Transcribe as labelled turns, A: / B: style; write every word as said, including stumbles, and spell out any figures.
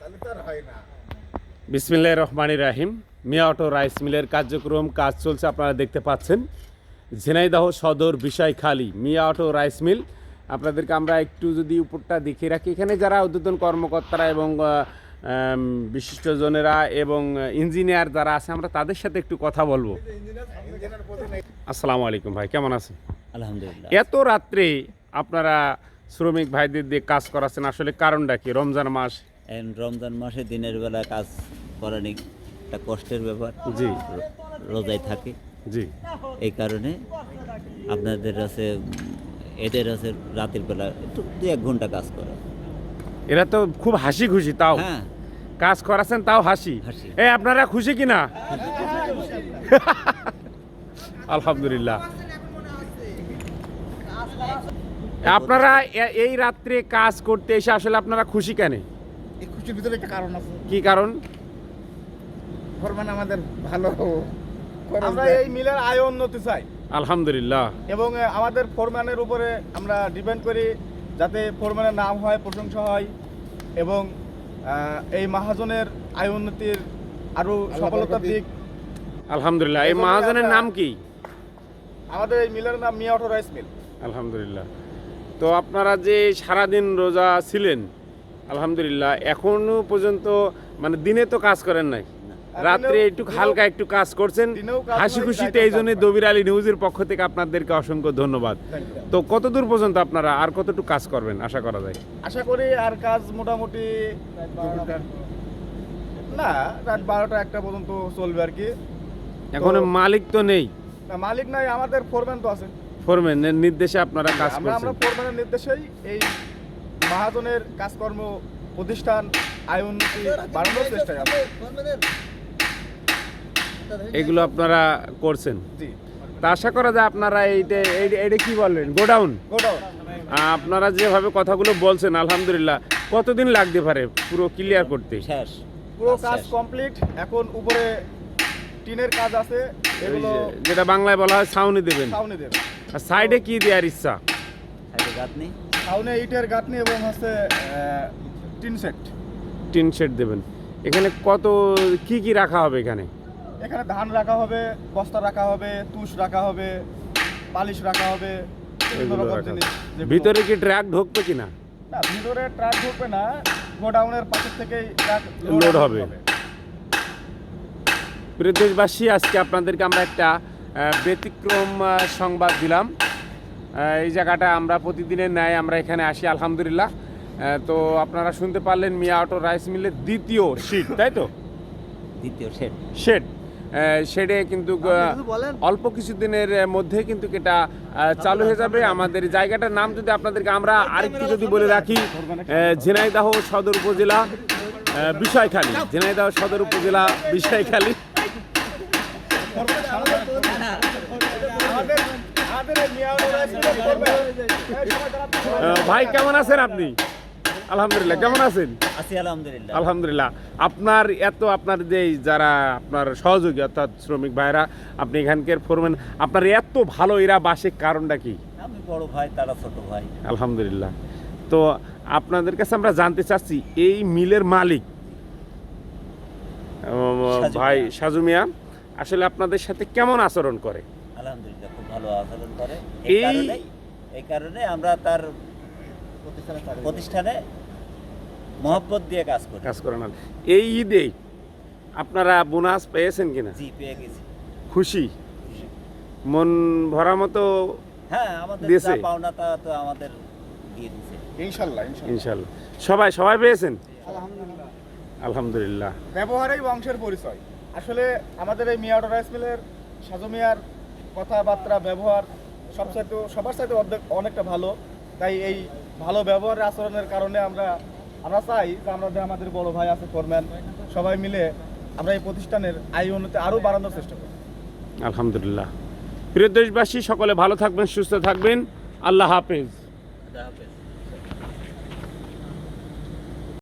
A: বিসমিল্লাহির রহমানির রহিম। মিয়া auto rice মিলের কার্যক্রম কাজ চলছে, আপনারা দেখতে পাচ্ছেন। ঝিনাইদহ সদর Bishoykhali Mia auto rice mill. আপনাদেরকে আমরা একটু যদি উপরটা দেখিয়ে রাখি, এখানে যারা ঊর্ধ্বতন কর্মকর্তারা এবং বিশিষ্টজনেরা এবং ইঞ্জিনিয়ার যারা আছে, আমরা তাদের সাথে একটু কথা বলবো। আসসালামু আলাইকুম ভাই, কেমন আছেন?
B: আলহামদুলিল্লাহ।
A: এত রাত্রে আপনারা শ্রমিক ভাইদের দিয়ে কাজ করাচ্ছেন, আসলে কারণটা কি? রমজান মাস,
B: রমজান মাসে দিনের বেলা কাজ করানি একটা কষ্টের ব্যাপার।
A: জি,
B: রোজায় থাকে।
A: জি,
B: এই কারণে আপনাদের আছে, এদের আছে রাতের বেলা একটু দু এক ঘন্টা কাজ করে।
A: এরা তো খুব হাসি খুশি, তাও
B: হ্যাঁ,
A: কাজ করাচ্ছেন তাও হাসি।
B: হাসি।
A: এই আপনারা খুশি কিনা? আলহামদুলিল্লাহ। আপনারা এ- এই রাত্রে কাজ করতে এসে আসলে আপনারা খুশি কেন?
C: এই খুশির ভিতরে একটা কারণ আছে।
A: কি কারণ?
C: ফরমান আমাদের ভালো করে
D: আমরা
C: দেয়।
D: এই মিলের আয় উন্নতি চাই
A: আলহামদুলিল্লাহ।
D: এবং আহ, আমাদের ফোরম্যানের উপরে আমরা ডিপেন্ড করি, যাতে ফোরম্যানের নাম হয়, প্রশংসা হয় এবং আহ, এই মহাজনের আয় উন্নতির আরো সফলতার দিক।
A: আলহামদুলিল্লাহ। এই মহাজনের নাম কি?
D: আমাদের এই মিলের নাম মিয়া অটো রাইস মিল।
A: আলহামদুলিল্লাহ। তো আপনারা যে সারাদিন রোজা ছিলেন, আলহামদুলিল্লাহ, এখনো পর্যন্ত মানে দিনে তো কাজ করেন নাই, রাত্রে
D: দিনেও-
A: একটু হালকা একটু কাজ করছেন,
D: দিনেও কাজ
A: হাসি
D: হয়,
A: খুশিতে।
D: রাতেও
A: এই জন্য
D: কাজ হয়।
A: দবির আলী নিউজের পক্ষ থেকে আপনাদেরকে অসংখ্য ধন্যবাদ। তো কতদূর পর্যন্ত আপনারা আর কতটুকু কাজ করবেন আশা করা যায়?
D: আশা করি আর কাজ মোটামুটি না, রাত বারোটা একটা পর্যন্ত চলবে আর কি।
A: এখন মালিক তো নেই,
D: না, মালিক নাই, আমাদের ফোরম্যান তো আছে।
A: ফোরম্যানের নির্দেশে আপনারা কাজ
D: আমরা আমরা
A: করছেন।
D: ফোরম্যানের নির্দেশেই এই মহাজনের কাজকর্ম, প্রতিষ্ঠান, আয় উন্নতি বাড়ানোর চেষ্টায় আমরা।
A: এগুলো আপনারা করছেন।
D: জি,
A: তা আশা করা যায় আপনারা এইটা এই- এইটা কি বললেন, গোডাউন,
D: গোডাউন
A: আপনারা যেভাবে কথাগুলো বলছেন, আলহামদুলিল্লাহ, কতদিন লাগতে পারে পুরো ক্লিয়ার করতে?
B: শেষ
D: পুরো
B: কাজ
D: কাজ
B: শেষ।
D: কমপ্লিট। এখন উপরে টিনের কাজ আছে,
A: ওই
D: এগুলো
A: যে- যেটা বাংলায় বলা হয় ছাউনি দেবেন।
D: ছাউনি দেবে।
A: আর সাইডে কি দেওয়ার ইচ্ছা?
B: সাইডে গাঁথনি।
D: ছাউনি ইটের গাঁথনি এবং হচ্ছে আহ, টিন সেট।
A: টিন শেড দেবেন। এখানে কত কি কি রাখা হবে? এখানে
D: এখানে ধান রাখা হবে, বস্তা রাখা হবে, তুষ রাখা হবে, পালিশ রাখা হবে, বিভিন্ন
A: এগুলো
D: রকম
A: রাখা
D: জিনিস। যেগুলো-
A: ভিতরে কি ট্রাক ঢুকবে কিনা?
D: না, ভিতরে ট্রাক ঢুকবে না, গোডাউনের পাশের থেকেই ট্রাক
A: লোড হবে। প্রিয় দেশবাসী, আজকে আপনাদেরকে আমরা একটা আহ, ব্যতিক্রম আহ, সংবাদ দিলাম। আহ, এই জায়গাটা আমরা প্রতিদিনের ন্যায় আমরা এখানে আসি, আলহামদুলিল্লাহ। আহ, তো আপনারা শুনতে পারলেন মিয়া অটো রাইস মিলের দ্বিতীয় শিট, তাই তো?
B: দ্বিতীয় সেট।
A: শেড শেডে কিন্তু আহ, অল্প কিছুদিনের মধ্যে কিন্তু এটা আহ, চালু হয়ে যাবে। আমাদের জায়গাটার নাম যদি আপনাদেরকে আমরা আরেকটু যদি বলে রাখি, আহ, ঝিনাইদহ সদর উপজেলা আহ, বিষয়খালী, ঝিনাইদহ সদর উপজেলা বিষয়খালী।
D: আমাদের আমাদের এই মিয়া অটো রাইস মিলের ফোরম্যান। এই সবাই দাঁড়াতে হবে।
A: আহ, ভাই কেমন আছেন আপনি? আলহামদুলিল্লাহ। কেমন আছেন?
B: আছি আলহামদুলিল্লাহ।
A: আলহামদুলিল্লাহ। আপনার এত আপনার যে যারা আপনার সহযোগী অর্থাৎ শ্রমিক ভাইরা, আপনি এখানকার ফোরম্যান, আপনার এত ভালো এরা বাসে কারণটা কি?
B: আমি বড় ভাই, তারা ছোট ভাই।
A: আলহামদুলিল্লাহ। তো আপনাদের কাছে আমরা জানতে চাচ্ছি, এই মিলের মালিক উম,
B: সাজু
A: ভাই
B: মিয়া।
A: সাজু মিয়া আসলে আপনাদের সাথে কেমন আচরণ করে?
B: আলহামদুলিল্লাহ, খুব ভালো আচরণ করে।
A: এই-
B: এই কারণে এই কারণে আমরা তার প্রতিষ্ঠানে মহব্বত দিয়ে কাজ করি।
A: কাজ করেন। এই ঈদে আপনারা বোনাস পেয়েছেন কিনা?
B: জি, পেয়ে গেছি।
A: খুশি মন ভরা মতো?
B: হ্যাঁ, আমাদের
A: দিয়েছে?
B: যা পাওনা তা তো আমাদের দিয়ে দিয়েছে।
D: ইনশাল্লাহ ইনশাল্লাহ।
A: ইনশাল্লাহ। সবাই সবাই পেয়েছেন? আলহামদুলিল্লাহ।
D: ব্যবহারেই বংশের পরিচয়। আসলে আমাদের এই মিয়া অটো রাইস মিলের সাজু মিয়ার কথাবার্তা, ব্যবহার সবচাইতে সবার সাথে অর্ধেক অনেকটা ভালো। তাই এই ভালো ব্যবহারের আচরণের কারণে আমরা আমরা চাই যে আমাদের আমাদের বড় ভাই আছে ফোরম্যান, সবাই মিলে আমরা এই প্রতিষ্ঠানের আয় উন্নতি আরও বাড়ানোর চেষ্টা করি।
A: আলহামদুলিল্লাহ। প্রিয় দেশবাসী, সকলে ভালো থাকবেন, সুস্থ থাকবেন। আল্লাহ হাফেজ।
B: আল্লাহ হাফেজ।